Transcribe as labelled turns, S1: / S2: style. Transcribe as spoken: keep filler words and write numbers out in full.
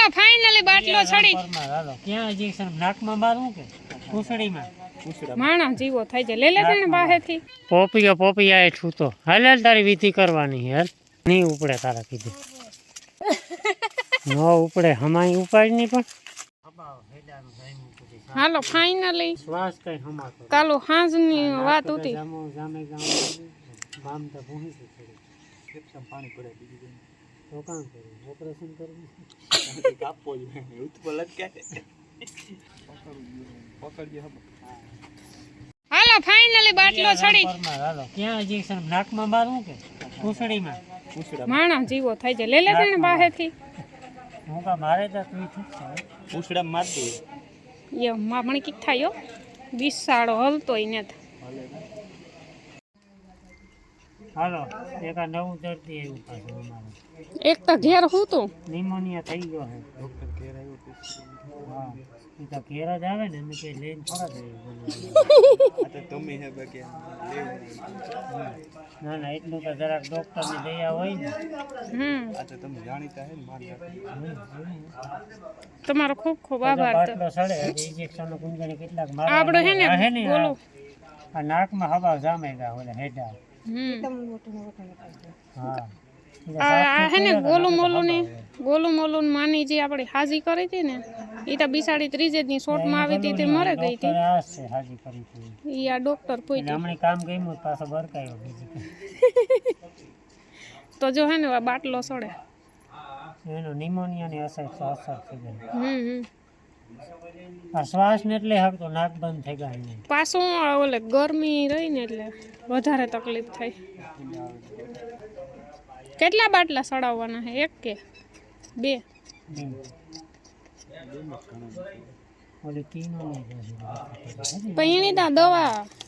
S1: હાલો finally બાટલો છડી
S2: હાલો ક્યાં injection નાકમાં મારું કે પૂંછડીમાં
S1: માણા જીવો થાય છે લે લે તને બાહેથી
S2: પોપિયો પોપિયા એ છૂતો હાલ હાલ તારી વિધિ કરવાની યાર નહીં ઉપડે તારા કીધું નો ઉપડે હમાઈ ઉપાડ નહીં પણ
S1: હાલો ફાઇનલી
S2: શ્વાસ કઈ હમાતો
S1: કાલો હાંજની વાત હતી
S2: જામો જામે ગામ ગામ તો ભૂહી છે કેપ્સમ પાણી પડે બીજું તો કામ કરું ઓપરેશન કરવું કાપવો જોઈએ ઉતપો લટકે પકડજે હમ
S1: હાલો ફાઇનલી બાટલો છડી
S2: હાલો ક્યાં ઇન્જેક્શન નાકમાં મારું કે પૂંછડીમાં
S1: માણા જીવો થાય છે લે લે તને બાહેથી
S2: હું કા મારે તો તું ઠીક છે પૂંછડા માર દે
S1: યો મામણી કીક થાયો બિસાડો હલતો ઈ ને
S2: હાલો એક આ નવું દર્દી આવ્યું પાછું અમારે
S1: એક તો ઘેર હું તો
S2: નિમોનિયા થઈ ગયો છે ડોક્ટર ઘેર આવ્યો હા એ તો ઘેર જ આવે ને અમે કઈ લઈને થોડા જઈએ તો તમે હે બાકી ના ના એટલું તો જરાક ડોક્ટર ની દયા હોય ને
S1: હમ
S2: આ તો તમે જાણીતા હે ને માન
S1: તમારો ખૂબ ખૂબ આભાર તો
S2: બાટલો સડે ઇન્જેક્શન કુંજણી કેટલાક મારે
S1: આપણો હે ને બોલો
S2: આ નાકમાં હવા જામે ગા ઓલા હેડા
S1: હમ
S2: હા
S1: આ હે ને ગોલું મોલું ને ગોલું મોલું માની જે આપણે હાજી કરી હતી ને એ તો બિસાડી ત્રીજે દી શોર્ટમાં આવી હતી તે મરે ગઈ હતી
S2: હાજી કરી હતી
S1: ઈ આ ડોક્ટર પોઈતી
S2: હમણે કામ ગયું પાછો બરકાયો બીજી
S1: તો જો હે ને આ બાટલો સડે
S2: એનો નિમોનિયાની અસર અસર થઈ ગઈ
S1: હમ હમ
S2: આ શ્વાસ ને એટલે હકતો નાક બંધ થઈ ગઈ
S1: પાછું ઓલે ગરમી રહી ને એટલે વધારે તકલીફ થાય કેટલા બાટલા સડાવવાના છે એક કે બે
S2: ઓલી તીનો
S1: પણ એની તો દવા